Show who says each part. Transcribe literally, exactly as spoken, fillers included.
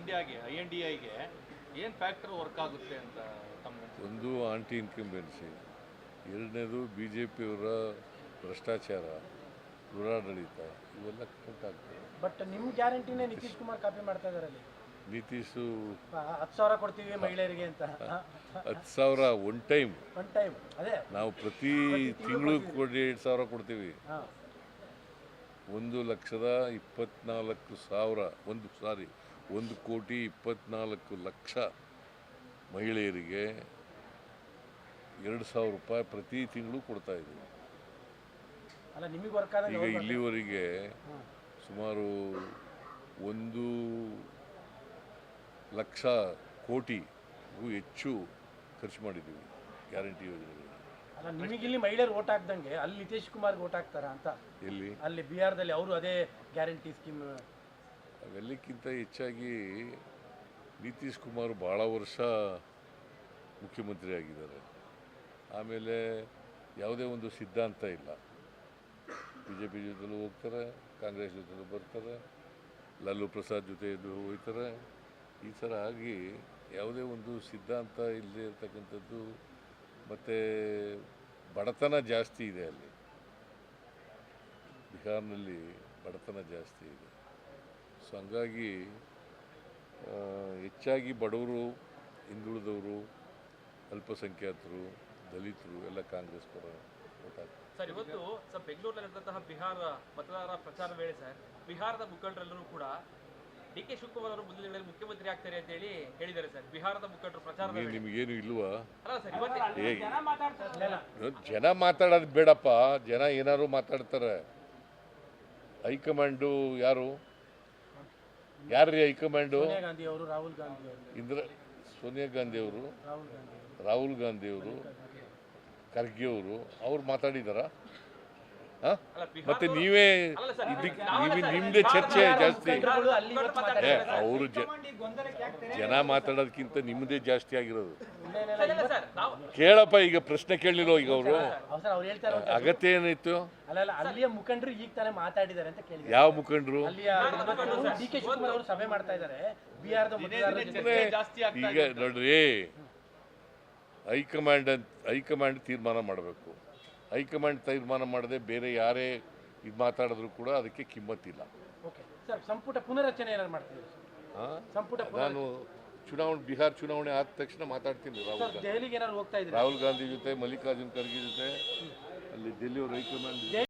Speaker 1: ಇಂಡಿಯಾಗೆ I N D ಐಗೆ ಏನು factor work ಆಗುತ್ತೆ ಅಂತ ತಮ್ಮ
Speaker 2: ಒಂದು ಆಂಟಿ ಇನ್ಕಂಬೆನ್ಸಿ, ಎರಡನೇದು ಬಿ ಜೆ ಪಿಯವರ ಭ್ರಷ್ಟಾಚಾರ, ದುರಾಡಳಿತ, ಇವೆಲ್ಲ ಕೌಂಟ್ ಆಗ್ತವೆ.
Speaker 3: ಬಟ್ ನಿಮ್ಮ ಗ್ಯಾರಂಟಿನೇ ನಿತೀಶ್ ಕುಮಾರ್ ಕಾಪಿ ಮಾಡ್ತಾ ಇದ್ದಾರೆ ಅಲ್ಲಿ.
Speaker 2: ನಿತೀಶು
Speaker 3: ಹತ್ತು ಸಾವಿರ ಕೊಡ್ತೀವಿ ಮಹಿಳೆಯರಿಗೆ ಅಂತ.
Speaker 2: ಹತ್ತು ಸಾವಿರ ಒನ್ ಟೈಮ್
Speaker 3: ಒನ್ ಟೈಮ್ ಅದೇ
Speaker 2: ನಾವು ಪ್ರತಿ ತಿಂಗಳು ಕೊಡಿ ಎರಡು ಸಾವಿರ ಕೊಡ್ತೀವಿ.
Speaker 3: ಹಾಂ
Speaker 2: ಒಂದು ಲಕ್ಷದ ಇಪ್ಪತ್ನಾಲ್ಕು ಸಾವಿರ ಒಂದು ಸಾರಿ ಒಂದು ಕೋಟಿ ಇಪ್ಪತ್ನಾಲ್ಕು ಲಕ್ಷ ಮಹಿಳೆಯರಿಗೆ ಎರಡು ಸಾವಿರ ರೂಪಾಯಿ ಪ್ರತಿ ತಿಂಗಳು ಕೊಡ್ತಾ ಇದ್ದೀವಿ.
Speaker 3: ಅಲ್ಲ ನಿಮಗೆ ವರ್ಕ್ ಆದಾಗ
Speaker 2: ಈಗ ಇಲ್ಲಿವರೆಗೆ ಸುಮಾರು ಒಂದು ಲಕ್ಷ ಕೋಟಿಗೂ ಹೆಚ್ಚು ಖರ್ಚು ಮಾಡಿದ್ದೀವಿ ಗ್ಯಾರಂಟಿ ಯೋಜನೆಗಳು.
Speaker 3: ಅಲ್ಲ ನಿಮಗಿಲ್ಲಿ ಮಹಿಳೆಯರು ಓಟ್ ಹಾಕ್ದಂಗೆ ಅಲ್ಲಿ ನಿತೀಶ್ ಕುಮಾರ್ಗೆ ಓಟ್ ಹಾಕ್ತಾರ ಅಂತ.
Speaker 2: ಎಲ್ಲಿ
Speaker 3: ಅಲ್ಲಿ ಬಿಹಾರದಲ್ಲಿ ಅವರು ಅದೇ ಗ್ಯಾರಂಟಿ ಸ್ಕೀಮ್.
Speaker 2: ಅವೆಲ್ಲಕ್ಕಿಂತ ಹೆಚ್ಚಾಗಿ ನಿತೀಶ್ ಕುಮಾರ್ ಭಾಳ ವರ್ಷ ಮುಖ್ಯಮಂತ್ರಿ ಆಗಿದ್ದಾರೆ. ಆಮೇಲೆ ಯಾವುದೇ ಒಂದು ಸಿದ್ಧಾಂತ ಇಲ್ಲ. ಬಿ ಜೆ ಪಿ ಜೊತೆಲೂ ಹೋಗ್ತಾರೆ, ಕಾಂಗ್ರೆಸ್ ಜೊತೆಲೂ ಬರ್ತಾರೆ, ಲಾಲೂ ಪ್ರಸಾದ್ ಜೊತೆ ಹೋಗ್ತಾರೆ. ಈ ಥರ ಆಗಿ ಯಾವುದೇ ಒಂದು ಸಿದ್ಧಾಂತ ಇಲ್ಲದೆ ಇರ್ತಕ್ಕಂಥದ್ದು. ಮತ್ತು ಬಡತನ ಜಾಸ್ತಿ ಇದೆ ಅಲ್ಲಿ, ಬಿಹಾರ್ನಲ್ಲಿ ಬಡತನ ಜಾಸ್ತಿ ಇದೆ. ಸೊ ಹಂಗಾಗಿ ಹೆಚ್ಚಾಗಿ ಬಡವರು, ಹಿಂದುಳಿದವರು, ಅಲ್ಪಸಂಖ್ಯಾತರು, ದಲಿತರು ಎಲ್ಲ ಕಾಂಗ್ರೆಸ್ ಪರ ಓಟ್ ಹಾಕ್ತಾರೆ.
Speaker 4: ಸರ್, ಇವತ್ತು ಸರ್ ಬೆಂಗಳೂರಿನಲ್ಲಿ ನಡೆದಂತಹ ಬಿಹಾರ ಮತದಾರರ ಪ್ರಚಾರ ವೇಳೆ ಸರ್ ಬಿಹಾರದ ಮುಖಂಡರೆಲ್ಲರೂ ಕೂಡ ಡಿ ಕೆ ಶಿವಕುಮಾರ್ ಅವರು ಮುಂದಿನ ದಿನಗಳಲ್ಲಿ ಮುಖ್ಯಮಂತ್ರಿ ಆಗ್ತಾರೆ ಅಂತ ಹೇಳಿ ಹೇಳಿದ್ದಾರೆ ಸರ್. ಬಿಹಾರದ ಮುಖಂಡರು ಪ್ರಚಾರ
Speaker 2: ನಿಮಗೇನು ಇಲ್ವಾ?
Speaker 4: ಅಲ್ಲ ಸರ್, ಇವತ್ತು
Speaker 2: ಜನ ಮಾತಾಡೋದು ಬೇಡಪ್ಪ, ಜನ ಏನಾದ್ರು ಮಾತಾಡ್ತಾರೆ. ಹೈಕಮಾಂಡು ಯಾರು ಯಾರ್ರೀ ಹೈಕಮಾಂಡು?
Speaker 3: ಸೋನಿಯಾ ಗಾಂಧಿ ಅವರು, ರಾಹುಲ್ ಗಾಂಧಿ ಅವರು,
Speaker 2: ಇಂದ್ರ ಸೋನಿಯಾ ಗಾಂಧಿ ಅವರು,
Speaker 3: ರಾಹುಲ್ ಗಾಂಧಿ
Speaker 2: ರಾಹುಲ್ ಗಾಂಧಿ ಅವರು, ಖರ್ಗೆ ಅವರು ಅವ್ರು ಮಾತಾಡಿದಾರ? ಮತ್ತೆ ನೀವೇ ಇದಕ್ಕೆ ನಿಮ್ದೇ ಚರ್ಚೆ ಜಾಸ್ತಿ. ಅವರು ಜನ ಮಾತಾಡೋದಕ್ಕಿಂತ ನಿಮ್ಮದೇ ಜಾಸ್ತಿ ಆಗಿರೋದು. ಕೇಳಪ್ಪ, ಈಗ ಪ್ರಶ್ನೆ ಕೇಳಲಿಲ್ಲ ಈಗ ಅವರು ಅಗತ್ಯ ಏನಿತ್ತು?
Speaker 3: ಅಲ್ಲ ಅಲ್ಲಿಯ ಮುಖಂಡರು ಈಗ ತಾನೇ ಮಾತಾಡಿದ್ದಾರೆ ಅಂತ ಕೇಳಿದ್ರು.
Speaker 2: ಯಾವ ಮುಖಂಡರು?
Speaker 3: ಡಿ ಕೆ ಶಿವಕುಮಾರ್ ಅವರು ಸಭೆ ಮಾಡ್ತಾ ಇದ್ದಾರೆ ಬಿಹಾರದ
Speaker 2: ಈಗ ನೋಡ್ರಿ, ಹೈಕಮಾಂಡ್ ಅಂತ ಹೈಕಮಾಂಡ್ ತೀರ್ಮಾನ ಮಾಡಬೇಕು. ಹೈಕಮಾಂಡ್ ತೀರ್ಮಾನ ಮಾಡದೆ ಬೇರೆ ಯಾರೇ ಇದು ಮಾತಾಡಿದ್ರು ಕೂಡ ಅದಕ್ಕೆ ಕಿಮ್ಮತ್ತಿಲ್ಲ.
Speaker 3: ಸಂಪುಟ ಪುನರಚನೆ ಏನಾದ್ರು ಮಾಡ್ತಿದ್ರು? ಸಂಪುಟ
Speaker 2: ನಾನು ಚುನಾವಣೆ ಬಿಹಾರ ಚುನಾವಣೆ ಆದ ತಕ್ಷಣ ಮಾತಾಡ್ತೀನಿ. ರಾಹುಲ್ ಗಾಂಧಿ
Speaker 3: ದೆಹಲಿಗೆ ಏನಾದ್ರು ಹೋಗ್ತಾ ಇದ್ರು?
Speaker 2: ರಾಹುಲ್ ಗಾಂಧಿ ಜೊತೆ, ಮಲ್ಲಿಕಾರ್ಜುನ್ ಖರ್ಗೆ ಜೊತೆ ಅಲ್ಲಿ ಡೆಲ್ಲಿ ಹೈಕಮಾಂಡ್